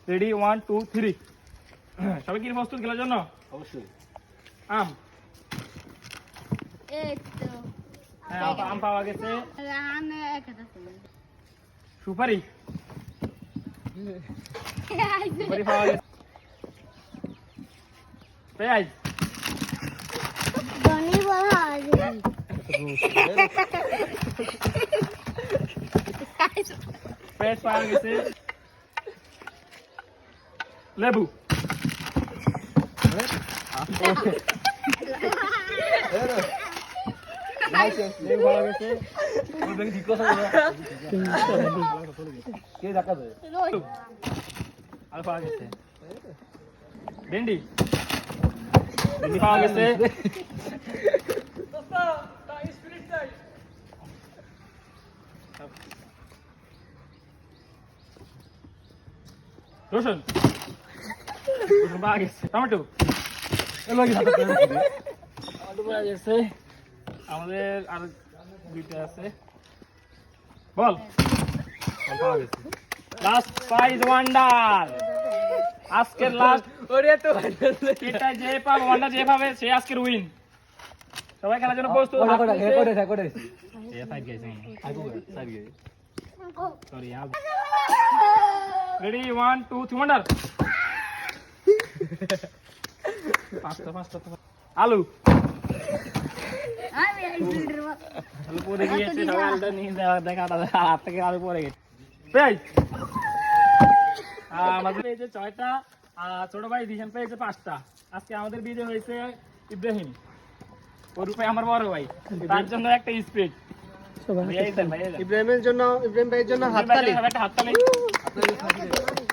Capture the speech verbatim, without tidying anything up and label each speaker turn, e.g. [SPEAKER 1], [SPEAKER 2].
[SPEAKER 1] Ready one two three. সবাই কি প্রস্তুত খেলার জন্য?
[SPEAKER 2] অবশ্যই।
[SPEAKER 1] আম
[SPEAKER 3] এই তো
[SPEAKER 1] হ্যাঁ আম পাওয়া গেছে।
[SPEAKER 3] রানে একটা
[SPEAKER 1] সুপারি সুপারি পাওয়া গেছে। পেঁয়াজ
[SPEAKER 3] ধনি বলা আছে
[SPEAKER 1] পেঁয়াজ পাওয়া গেছে। লেবু লেবু পাওয়া গেছে।
[SPEAKER 2] কে দেখা যায়?
[SPEAKER 1] আর পাওয়া গেছে ভেন্ডি ভেন্ডি পাওয়া গেছে। রসুন রসুন পাওয়া গেছে। টমেটো টমেটো পাওয়া গেছে। আমাদের আর দুইটা আছে। বল বল পাওয়া গেছে। Last prize wonder. আজকের লাস্ট
[SPEAKER 2] ওরে তো
[SPEAKER 1] এটা যে পাবে ওয়ান্ডার যে পাবে সে আজকের উইন। সবাই খেলার জন্য প্রস্তুত?
[SPEAKER 2] কোড়া কোড়া রেকর্ড রেকর্ড
[SPEAKER 1] এ ফাইট গেছে
[SPEAKER 2] আগু সাইড গে
[SPEAKER 1] সরি यार ready one two three wonder. পাঁচটা পাঁচটা আলু
[SPEAKER 3] আমি এই ফিল্ডের
[SPEAKER 1] আলু পরে গিয়েছে। সবাই আলুটা নিয়ে যাওয়া দেখাটা হাত থেকে আলু পরে গেছে। পেঁয়াজ আমাদের পেয়েছে ছয়টা আর ছোট ভাই দিশান পেয়েছে পাঁচটা। আজকে আমাদের বিজয় হয়েছে ইব্রাহিম। ওর উপরে আমার বড় ভাই, তার জন্য একটা স্পিড।
[SPEAKER 2] ইব্রাহিমের জন্য ইব্রাহিম ভাইয়ের জন্য হাততালি
[SPEAKER 1] একটা হাততালি।